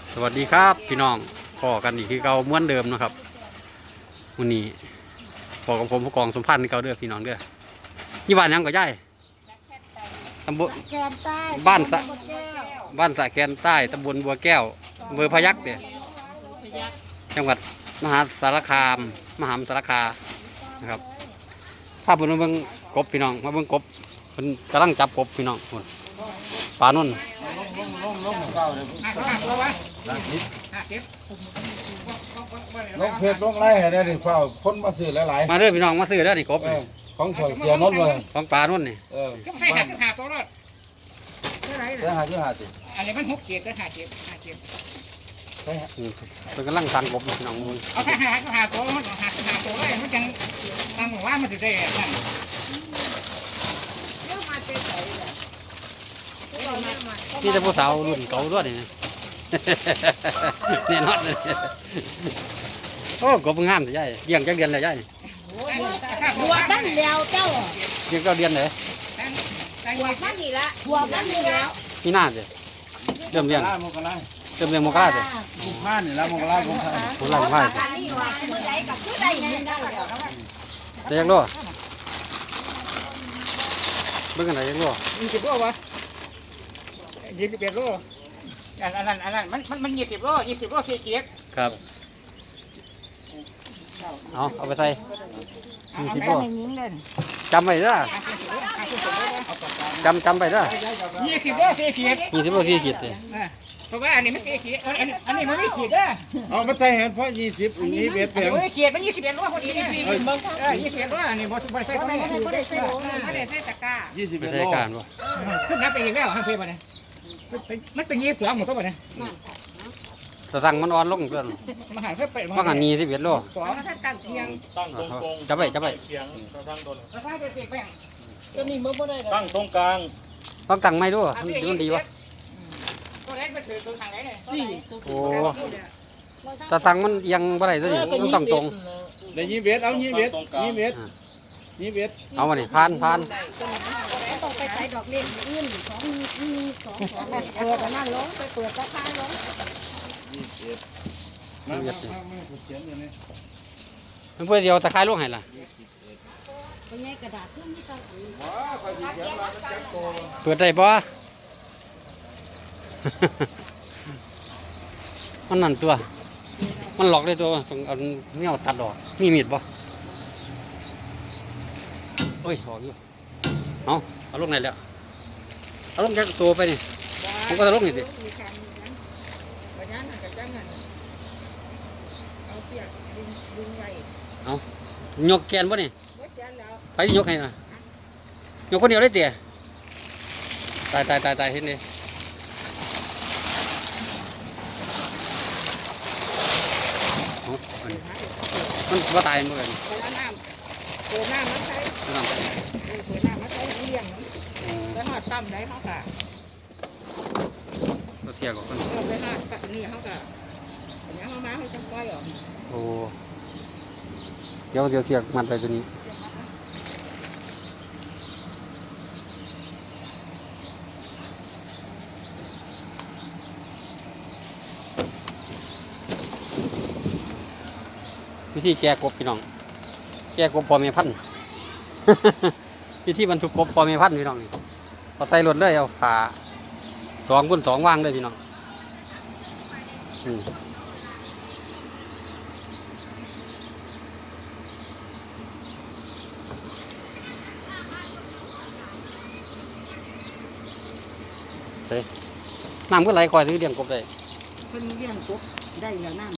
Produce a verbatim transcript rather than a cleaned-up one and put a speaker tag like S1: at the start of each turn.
S1: สวัสดีครับพี่น้องพอกันอีกคือเก่าเหมือนเดิมนะครับวันนี้พอกับผมผู้กองสมพันธ์เก่าเด้อพี่น้องเด้อยี่บ้านยังก็ย่ายตำบลบ้านสะบ้านสะแคนใต้ตำบลบัวแก้วอำเภอพยัคฆ์เด้อจังหวัดมหาสารคามมหาสารคามนะครับภาพบนเบื้องกบพี่น้องมาเบื้องกบมันกำลังจับกบพี่น้องคนปลานุ่น
S2: ลงเพจลงไล่ให้ได้ดิเฝ้าคนมาซื้อหลายๆ
S1: มาเด้อพี่น้องมาซื้อเด้อนี่กบ
S2: เออของสวยเสียนนท์เลย
S1: ของปลานุ่นนี่
S2: เออ
S3: ใส่หาสิบหาตัวรถเท่าไหร่
S2: ได้หาที่หาสิ
S3: อันนี้มันหกเกียร์ก็หาเกียร์หาเกียร์
S2: ได้หา
S1: อืมเป็นกำลังสั่งกบพี่น้องมูล
S3: เอาถ้าหาก็หาตัวมันหาหาตัวเลยมันจังตั้งว่ามันจะได้นั่น
S1: นี่จะผู้สาวรุ่นเก่าด้วยนี่ เนี่ยนอดเลยโอ้กบงามสิยายเลี้ยงจักเดือนเลยยาย
S4: หัวมันแล้วเจ้า
S1: เลี้ยงเก้าเดือนเลย
S4: หัวมันนี่ละหัวมันนี่แล้ว
S1: มีหน้าสิเริ่มเลี้ยง
S2: ลาโมกลา
S1: เริ่มเลี้ยงโมกล้าสิ
S2: บุกผ้านี่ละโมกลาบุกผ้า
S1: โมกล้าโมกล้าสิ
S4: อันนี้ว่าเมื่อใดกับเมื่อใดนี่ได้แล้ว
S1: จะยังรัวเบิ่งกันไหนยังรัว
S3: ยี่สิบโลวะยี่สิบเอ็ดโลอันนั้นอันนั้นมันมันมันยี่สิบโลยี่สิบโลสี่เกียร์
S1: ครับเอาเอาไปใส่ยี่สิบตัวจำไปเด้อจำจำไปเด้อ
S3: ยี่สิบโลสี่เกียร์
S1: ยี่สิบตัวที่ขีดเลย
S3: เพราะว่าอันนี้มันสี่เกียร์อันนี้อันนี้มันไม่ขีดเด้อ
S2: เอามาใส่เห็นเพราะยี่สิบยี่สิบเอ็ด
S3: อัน
S2: เพีย
S3: นี้
S2: ง
S3: ไม่ขีดมันยี่สิบเอ็ดโลพอดีเนี่ยเออยี่สิบเอ็ดโลอันนี้บอสบอสใส่ตัวนี้
S4: ไม่ได้ใส่โหลไม่ได้ใส่ตะกร้า
S2: ยี่สิบ
S1: ไป
S2: เอ็ด
S1: ใส่
S2: โล
S1: การบ่
S3: ขึ้นนับไปอีกแล้วห้างเพลย์มาเนี่ยมันเป็นยี่สิบสองหมดตัวเนี่ย
S1: สตังค์มันอ่อนลงเพื่อน
S3: มาหาเพื่อไป
S1: เพราะกันยี่สิบเอ็ดโล
S3: สอง
S4: ถ้าตั้งเทียง
S5: ตั้งตรงตรง
S1: จับไปจับไป
S5: เขียงตั้งตรง
S3: แล้วถ้าเป็นเศษแป้ง
S4: ตัวนี้มันบ่ได้
S5: ตั้งตรงกลาง
S1: ต้องตั้งไม่ด้วยมันดีวะ
S3: ตัวเล็กมันถือตัวทางไหนเนี่ย
S4: นี่
S1: โอ้แต่สั่งมันยังบ่ได้ตัวนี้มันต้องตรง
S2: ได้ยี่สิบเอ็ดเอายี่สิบเอ็ดยี่สิบเอ็ดยี่สิบเอ็ด
S1: เอามาดิผ่านผ่าน
S4: ต้องไปใส่ดอกเล็กอื่นสองสองสองเปิดนั่นลงไปเปิดตะไคร้ลง
S2: ยี่สิบเอ็ดมามามาเขียนอยู่นี่
S1: มันเพื่อเดียวตะไคร้ลงให้ล่ะ
S4: เป็นไงกระดาษขึ้นนี่ต้อง
S2: ว้าใครเขียนมาจับโต
S1: เปิดได้ปะ มันนั่นตัว มันหลอกได้ตัวต้องเอาเนี่ยตัดออกมีมีดปะโอ้ยออกอยู่เอาเอาลงไหนแล้วเอาลงจากตัวไปนี่ผมก็จะลงนี่ดิเอายกแกนปะนี่ไปยกให้นะยกคนเดียวได้เตี๋ยตายตายตายตายเห็นดิมันว่าตายมั้งเลย
S4: เปิดน้ำเปิดน้ำมาใส่
S1: มันทำไป
S4: เปิดน้ำมาใส่เลี้ยงแล้วหอดตั้มได้เขาค่ะ
S1: ก็เทียก่อน
S4: เราไปหอดปัดนี่เขาค่ะอันนี้เขามาเขาจะปล่อยออก
S1: โอ้เดี๋ยวเดี๋ยวเทียกมันไปตัวนี้วิธีแก้กบพี่น้องแก้กบปอเมพันธุ์ วิธีบรรทุกกบปอเมพันธุ์พี่น้องนี่เอาใส่รถเลยเอาฝาสองบนสองวางเลยพี่น้องอืมเฮ้ยน้ำก็ไหลคอยซื้อเลี้ยงกบได้
S4: เพิ่นเลี้ยงกบได้แล้วน้ำ